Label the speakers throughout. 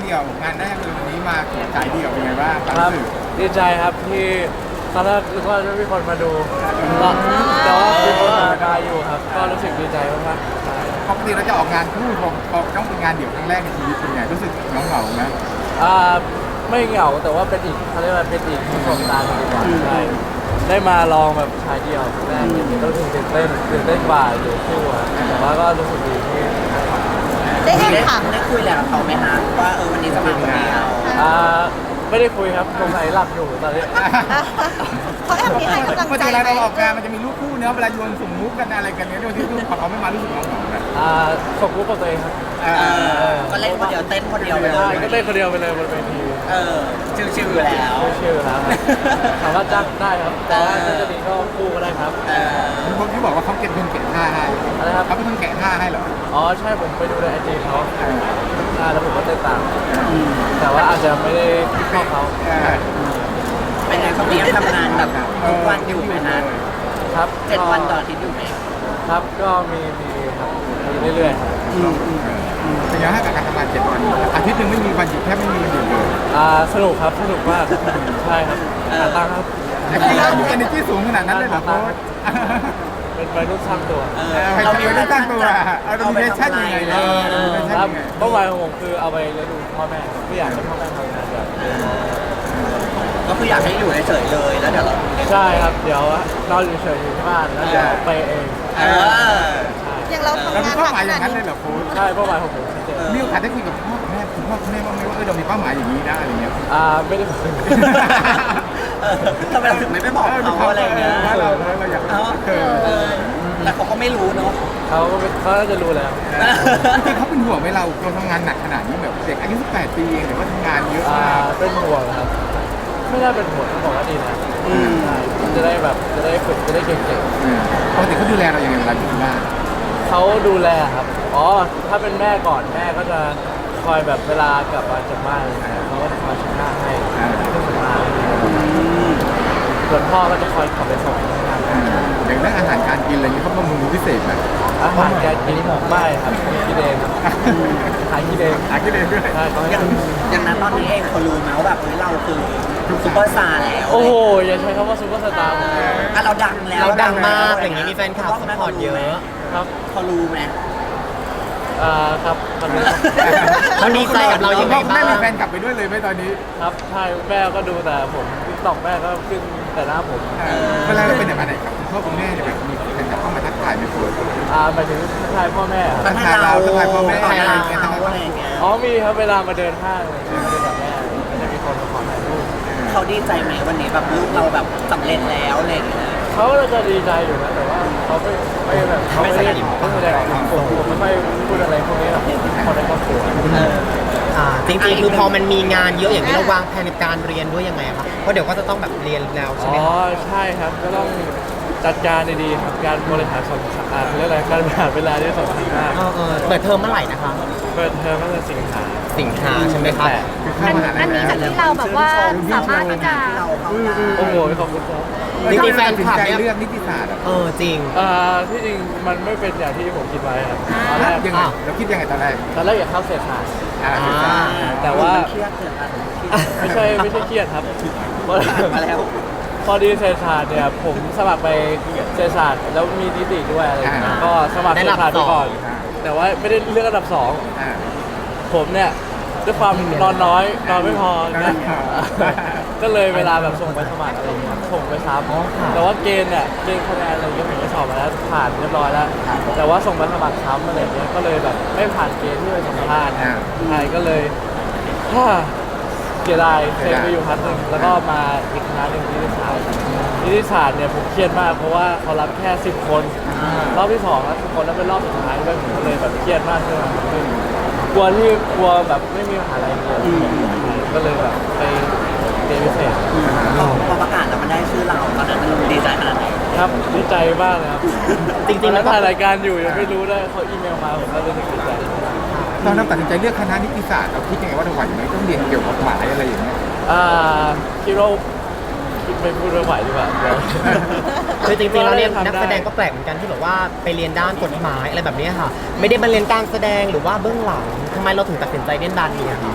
Speaker 1: เดี่ยวงานแรกเลยวันนี้มาฉายเดี่ยวเป็นไงบ้างค
Speaker 2: ครั
Speaker 1: วาม
Speaker 2: บ
Speaker 1: รู้สึก
Speaker 2: ดีใจครับที่ตอนแรกนึกว่าจะมีคนมาดูก็แต่ว่ามีคนมาอยู่ครับ ก็รู้สึกดีใจมากๆใช่
Speaker 1: ปกติเราจะออกงานคู่พอต้องเป็นงานเดี่ยวครั้งแรกในชีวิตเป็นไงรู้สึกเหงาๆนะ
Speaker 2: อ่าไม่เหงาแต่ว่าเป็นอีกเขาเรียกว่าเป็นอีกประสบการณ์หนึ่งดีกว่าใช่ได้มาลองแบบชายเดียวครั้งแรกอย่างนี้ก็รู้สึกตื่นเต้นกว่าอยู่คู่ครับแต่ว่าก็รู้สึกดีที่
Speaker 3: ได้แอบถาม
Speaker 4: ได้คุยแล้วกับเขาไหมฮะว่าวันนี้จะมาคนเดียว
Speaker 2: อ่าไม่ได้คุยครับสงสัยหลับอยู่ตอนนี้
Speaker 3: เขาแอบมีให้กำลัง
Speaker 1: เมื่อ
Speaker 3: ใจ
Speaker 1: เวลา
Speaker 3: ไหม
Speaker 1: เราออกงานมันจะมีรูปคู่เนื้อะเวลาโยนสุ่มมุกกันอะไรกันเนี้ยโดยที่พอเขาไม่มารู้สึกเหงาๆนะ
Speaker 2: ส่งรูปกับตัวเองครับ
Speaker 4: ก็เล่นคนเดียวเต้นคนเดียวไปเล
Speaker 2: ใช่
Speaker 4: ย
Speaker 2: ก็เต้นคนเดียวไปเลยบนเวที
Speaker 4: ชิวๆอยู่แล้ว
Speaker 2: ชื่อแล้วครับสามารถจ้างได้ครับแต่ว่าถ้าจะดีก็คู่ก็ได้ครับ
Speaker 1: พวกที่บอกว่าเขาเก็บเงินแกะท่าให้
Speaker 2: อะไรครับ
Speaker 1: เขาเป็นคนแกะท่าให้เหรอ
Speaker 2: อ๋อใช่ผมไปดูในไอจีเขาแล้วผมก็เต้นตามแต่ว่าอาจจะไม่ได้เข้าเขา
Speaker 4: เป็นไงเขาเรียนทำงานแบบทุกวันอยู่ไหมฮะ
Speaker 2: ครับ
Speaker 4: 7 วันต่ออาทิตย์อยู่ไหม
Speaker 2: ครับก็มีครับมีเรื่อยๆครับ
Speaker 1: เป็นไงให้กับการทำงาน7 วันอาทิตย์หนึ่งไม่มีวันหยุดแทบไม่มีวันหยุดเลย
Speaker 2: สนุกครับสนุกมากใช่ครับหาตังค์ครับ
Speaker 1: แต่ที่เรามี energy สูงขนาดนั้นเลยเหรอโค้ช
Speaker 2: เป็นวัยรุ่นสร้างตัว
Speaker 1: เรามีเรื่องตั้งตัวเรามีเวชั่นยังไงเลย
Speaker 2: ครับเป้าหมายของผมคือเอาไปเลี้ยงดูพ่อแม่ไม่อยากให้พ่อแม่ทำงานแบบ
Speaker 4: ก็คืออยากให้อยู่เฉยๆเลยแล้วเดี๋ยวเรา
Speaker 2: ใช่ครับเดี๋ยวนอนอยู่เฉยๆอยู่ที่บ้านแล้วเดี๋ยวไปเอง
Speaker 4: เออ
Speaker 3: อย่างเรา
Speaker 1: เรา
Speaker 3: ทำ
Speaker 1: มี
Speaker 3: งาน
Speaker 1: เป้า
Speaker 3: หนัก
Speaker 1: หมาย
Speaker 3: ข
Speaker 1: อย่า
Speaker 3: นาด
Speaker 1: งนั้นเล
Speaker 3: นี้
Speaker 1: ยเหรอโค้ช
Speaker 2: ใช่เป้าหมายของผมชัดเจน
Speaker 1: มีโอกาสได้คุยกับพ่อแม่คุณพ่อคุณแม่บ้างไหมว่าเรามีเป้าหมายอย่างนี้นะอะไรเงี้ย
Speaker 2: ไม่ได้คุย
Speaker 4: ทำไมเราถึงไม่ไปบอกเขาอะไรเงี้ย
Speaker 1: เราอยาก
Speaker 4: แต่เขาก็ไม่รู้เนาะ
Speaker 2: เขาน่าจะรู้แล้ว
Speaker 1: จริงเขาเป็นห่วงไหมเราทำงานหนักขนาดนี้แบบเด็กอายุ18 ปีเองแต่ว่าทำงานเยอะมาก
Speaker 2: เป็นห่วงครับ ไม่น่าเป็นห่วงเขาบอกว่าดีนะใช่จะได้แบบจะได้ฝึกจะได้เก่ง
Speaker 1: ปกติเขาดูแลเราอย่างไรเวลาอยู่ที่บ้าน
Speaker 2: ๆเขาดูแลครับอ๋อถ้าเป็นแม่ก่อนแม่ก็จะคอยแบบเวลากลับมาจากบ้านอะไรเงี้ยเขาก็จะคอยเช็ดหน้าให้เครื่องสำอางส่วนพ่อก็จะคอยขับไปส่งที่ทำงาน
Speaker 1: อย่างเรื่องอาหารการกินอะไรเงี้ยเขาบำรุงพิเศษไหม
Speaker 2: อาหารการกินไม่ครับกินเองครับหากินเอง
Speaker 1: หากินเองด้วย
Speaker 2: ใช่เขาให้
Speaker 4: อย่างนั้นตอนนี้เองเขารู้ไหมว่าแบบเราคือซุปเปอร์สตาร์แล้ว
Speaker 2: โอ้โหอย่าใช้คำว่าซุปเปอร์สตาร์ผม
Speaker 4: เราดังแล้ว
Speaker 5: เราดังมากอย่างนี้มีแฟนคลับซัพพอร์ตเยอะ
Speaker 2: ครับ
Speaker 4: เขารู้ไหม
Speaker 2: ครับตอนนี้
Speaker 5: เขาดีใจกับเรายังไง
Speaker 1: แม่
Speaker 5: บ้าง
Speaker 1: มีแฟนกลับไปด้วยเลยไหมตอนนี้
Speaker 2: ครับใช่แม่ก็ดูแต่ผมติ๊กต็อกแม่ก็ขึ้นแต่หน้าผม
Speaker 1: เวลาเราเป็นอย่างไรครับคุณพ่อคุณแม่เนี่ยแบบมีแฟนกลับเข้ามาทักทายไหมคุณ
Speaker 2: หมายถึงทายพ่อแม่ครับ
Speaker 4: มันให้เรา
Speaker 1: ทักทายพ่อแม่
Speaker 4: ทักทาย
Speaker 1: อะไร
Speaker 4: เรา
Speaker 1: อย่างเงี้ย
Speaker 4: อะไรอย่างเงี้ย
Speaker 2: อ๋อมีครับเวลามาเดินห้างอะไรอย่างเงี้ยมาเดินกับแม่ก็จะมีคนมาขอถ่ายรูป
Speaker 4: เขาดีใจไหมวันนี้แบบลูกเราแบบสำเร็จแล้วอะไรอย่างเงี้ย
Speaker 2: เขาก็จะดีใจอยู่นะแต่ว่าเขาไม่แบบเขาไม่ได้ไม่แสดงออกถึงผมไม่ค่อยพูดอะไรพวกนี้หรอกคนในครอบครัว
Speaker 5: จริงๆคือพอมันมีงานเยอะอย่างนี้เราวางแผนในการเรียนด้วยยังไงครับเพราะเดี๋ยวก็จะต้องแบบเรียนแล้วใช่
Speaker 2: อ๋
Speaker 5: ไหม
Speaker 2: อ
Speaker 5: ครับ
Speaker 2: ใช่ครับก็ต้องจัดการดีๆครับการบริหารเรียกอะไรการบริหารเวลาที่สำคัญมาก
Speaker 5: เปิดเทอมเมื่อไหร่นะคะ
Speaker 2: เปิดเทอมตั้งแต่สิงหา
Speaker 5: สิงหาใช่ไหมครับ
Speaker 3: อันนี้จากที่เราแบบว่าสามารถที่จะ
Speaker 4: เราเข้าได้
Speaker 2: โอ้โหขอบคุณครับ
Speaker 5: จริงๆแฟนคลับเนี่ย
Speaker 1: เลือกนิติศาสตร์
Speaker 5: จริง
Speaker 2: ที่จริงมันไม่เป็นอย่างที่ผมคิดไว้ครับตอนแรก
Speaker 1: ยังไงเราคิดยังไงตอนแรก
Speaker 2: อยากเข้าเศรษฐศาสตร์ แต่
Speaker 4: แต่
Speaker 2: ว่า
Speaker 4: เครียดเกินอ่ะ
Speaker 2: ไม่ใช่เครียดครับเพราะ
Speaker 4: มาแล้ว
Speaker 2: พอดีเศรษฐศาสตร์เนี่ยผมสมัครไปเศรษฐศาสตร์แล้วมีนิติด้วยอะไรอย่างเงี้ยก็สมัครเศรษฐศาสตร์ไปก่อน แต่ว่าไม่ได้เลือกอันดับสองผมเนี่ยด้วยความนอนน้อยนอนไม่พอนะก็เลยเวลาแบบส่งไปสมัครอะไรอย่างเงี้ยส่งไปซ้ำแต่ว่าเกณฑ์คะแนนอะไรเงี้ยผมก็สอบมาแล้วผ่านเรียบร้อยแล้ว แต่ว่าส่งไปสมัครซ้ำอะไรอย่างเงี้ยก็เลยแบบไม่ผ่านเกณฑ์ที่ไปสัมภาษณ์ใช่ก็เลยเสียดายเซ็นไปอยู่พักหนึ่งแล้วก็มาอีกคณะหนึ่งนิติศาสตร์เนี่ยผมเครียดมากเพราะว่าเขารับแค่10 คนรอบที่2แล้ว10 คนแล้วเป็นรอบสุดท้ายด้วยผมก็เลยแบบเครียดมากขึ้นกลัวแบบไม่มีมหาลัยเรียนก็เลยแบบไปเรียนพิเศษ
Speaker 4: พอประกาศแล้วมันได้ชื่อเราตอนนั้นมันดีใจขนาดไหน
Speaker 2: ครับดีใจมากเลยครับ
Speaker 5: จริงๆ
Speaker 2: แล้
Speaker 5: แล้ว วก็
Speaker 2: ถ่ายรายการอยู่ยังไม่รู้ได้เขาอีเมลมาผมก็รู้สึกดีใจ
Speaker 1: ตอนเราตัดสินใจเลือกคณะนิติศาสตร์เราคิดยังไงว่าเราไหวไหมต้องเรียนเกี่ยวกับกฎหมายอะไรอย่างเงี้ย
Speaker 2: คิดว่าไม่พูดไม่ไหวดีกว่าเดี๋ยว
Speaker 5: คือจริงๆแล้วเนี่ย
Speaker 2: ก็ได้ทำได้
Speaker 5: นักแสดงก็แปลกเหมือนกันที่แบบว่าไปเรียนด้านกฎหมายอะไรแบบเนี้ยค่ะ ไม่ได้มาเรียนการแสดงหรือว่าเบื้องหลังทำไมเราถึงตัดสินใจเล่นด้านนี้อะครับ
Speaker 2: ใช่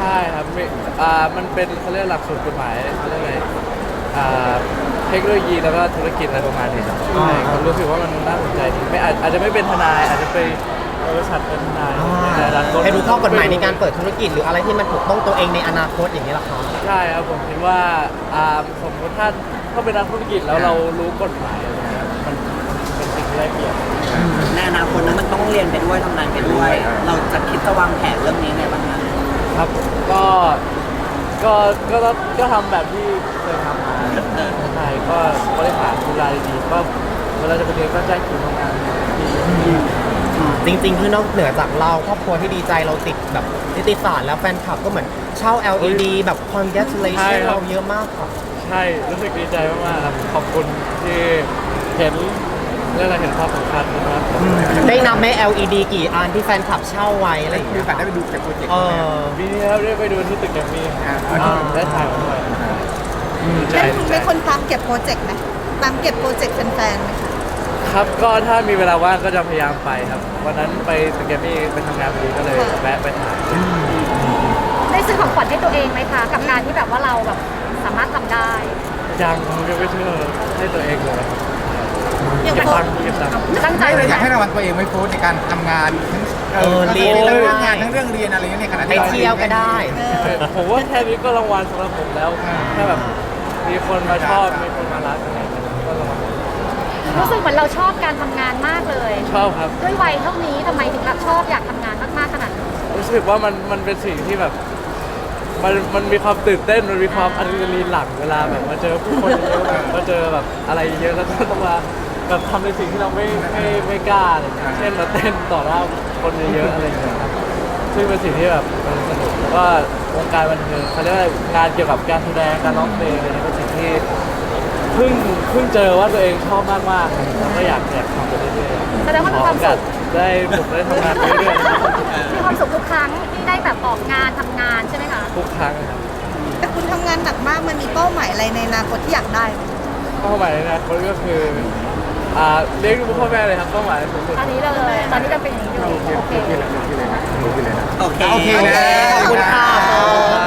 Speaker 2: ช่ครับมีมันเป็นเขาเรียกหลักสูตรกฎหมายเขาเรียกอะไรเทคโนโลยีแล้วก็ธุรกิจอะไรประมาณนี้ครับใช่ผมรู้สึกว่ามันน่าสนใจดีไม่อาจจะไม่เป็นทนายอาจจะไปบริษัทเป็นทนายในอนาคต
Speaker 5: ให้รู้ข้อกฎหมายในการเปิดธุรกิจหรืออะไรที่มันถูกต้องตัวเองในอนาคตอย่างนี้ยเหรอคะ
Speaker 2: ใช่ครับผมคิดว่าสมมติถ้าเป็นนักธุรกิจแล้วเรารู้กฎหมายอะไรเงี้ยมันเป็นสิ่งที่ได้เปรียบ
Speaker 4: ในอนาคตนั้นมันต้องเรียนไปด้วยทำงานไปด้วย เราจะคิดจะวางแผนเรื่องนี้ไงบ้างคะ
Speaker 2: ครับก็ทำแบบที่เคยทำมาใช่ก็บริหารเวลาดีๆก็เวลาจะไปเรียนก็แจ้งคิวทำงานดี
Speaker 5: จริงๆคือนอกเหนือจากเราครอบครัวที่ดีใจเราติดแบบนิติศาสตร์แล้วแฟนคลับก็เหมือนเช่า LED แบบ congratulation เราเยอะมากค่ะ
Speaker 2: ใช่รู้สึกดีใจมากๆครับขอบคุณที่เห็นเรื่องอะไรเห็นความสำคัญนะครับ
Speaker 5: ได้นับไหม LED กี่อันที่แฟนคลับเช่าไว้อะไรอย่าง
Speaker 1: มี
Speaker 5: เงี้
Speaker 1: โอย กาสได้ไปดูจากโปรเจกต์
Speaker 5: เอ
Speaker 1: ไหม
Speaker 5: อ
Speaker 2: ปีนี้ครับได้ไปดูที่ตึกแกรมมี่ได้ถ่ายมาด้วยดีใจ
Speaker 3: เป็นคุณเป็นคนตามเก็บโปรเจกต์ไหมตามเก็บโปรเจกต์แฟนๆไหมคะ
Speaker 2: ครับก็ถ้ามีเวลาว่างก็จะพยายามไปครับวันนั้นไปตึกแกรมมี่ไปทำงานพอดีก็เลยแวะไปถ่าย
Speaker 3: ได้ซื้อของขวัญให้ตัวเองไหมคะกับการที่แบบว่าเราแบบสามารถทำได้
Speaker 2: ยังไม่เชื่อให้ตัวเองเลยครับ
Speaker 3: อย่าง
Speaker 2: เก็บ
Speaker 3: โพ
Speaker 2: ตั
Speaker 3: ส
Speaker 2: งค์เก็บตังค์
Speaker 3: ตั้งใจ
Speaker 1: ไม่
Speaker 3: เล
Speaker 1: เลย ยอยาก
Speaker 3: นะ
Speaker 1: ให้รางวัลตัวเองไม่โฟสในการทำงานทั้ง
Speaker 5: เรียน
Speaker 1: ทั้ง
Speaker 5: ด้
Speaker 1: เรื่
Speaker 5: ว
Speaker 1: อย งงานทั้งเรื่องเรียนอะไรเงี้ยในขณะ
Speaker 5: ไป
Speaker 1: ที่รา
Speaker 5: เที่ยวก็ได้
Speaker 2: ผมว่าแค่นี้ก็รางวัลสำหรับผมแล้วแค่แบบมีคนมาชอบมีคนมารักอะไรอย่างเงี้ยก็รางวัล
Speaker 3: รู้สึกเหมือนเราชอบการทำงานมากเลย
Speaker 2: ชอบครับ
Speaker 3: ด้วยวัยเท่านี้ทำไมถึงแบบชอบอยากทำงานมากๆขนาดนี้
Speaker 2: รู้สึกว่ามันเป็นสิ่งที่แบบมันมีความตื่นเต้นมันมีความอะดรีนาลีนหลั่งเวลาแบบมาเจอผู้คนเยอะแบบมาเจอแบบอะไรเยอะแล้วก็ต้องมาแบบทำในสิ่งที่เราไม่กล้าอะไรอย่างเงี้ยเช่นมาเต้นต่อหน้าคนเยอะๆอะไรอย่างเงี้ยครับซึ่งเป็นสิ่งที่แบบมันสนุกแล้วก็วงการบันเทิงเขาเรียกว่างานเกี่ยวกับการแสดงการร้องเพลงอะไรเงี้ยเป็นสิ่งที่เพิ่งเจอว่าตัวเองชอบมากๆแล้วก็อยากทำไปเรื่อยๆ
Speaker 3: แสดงว่ามีความสุข
Speaker 2: ได้ผมได้ทำงานไปเรื่อยๆนะครับ
Speaker 3: มีความสุขทุกครั้งที่ได้แบบออกงานทำงานใช่ไหมคะ
Speaker 2: ทุกครั้งครับ
Speaker 3: แต่คุณทำงานหนักมากมันมีเป้าหมายอะไรในอนาคตที่อยากได้ไหม
Speaker 2: เป้าหมายในอนาคตก็คือเลี้ยงดูพ่อแม่เลยครับเป้าหมายสูงสุด
Speaker 3: อันนี้เลยตอนนี้จะเป็นอย่างนี้อยู่โอเค
Speaker 1: โอเคเลยนะโอเคเลยนะ
Speaker 4: โอเค
Speaker 1: โอเคนะ
Speaker 5: ขอบคุณค่ะ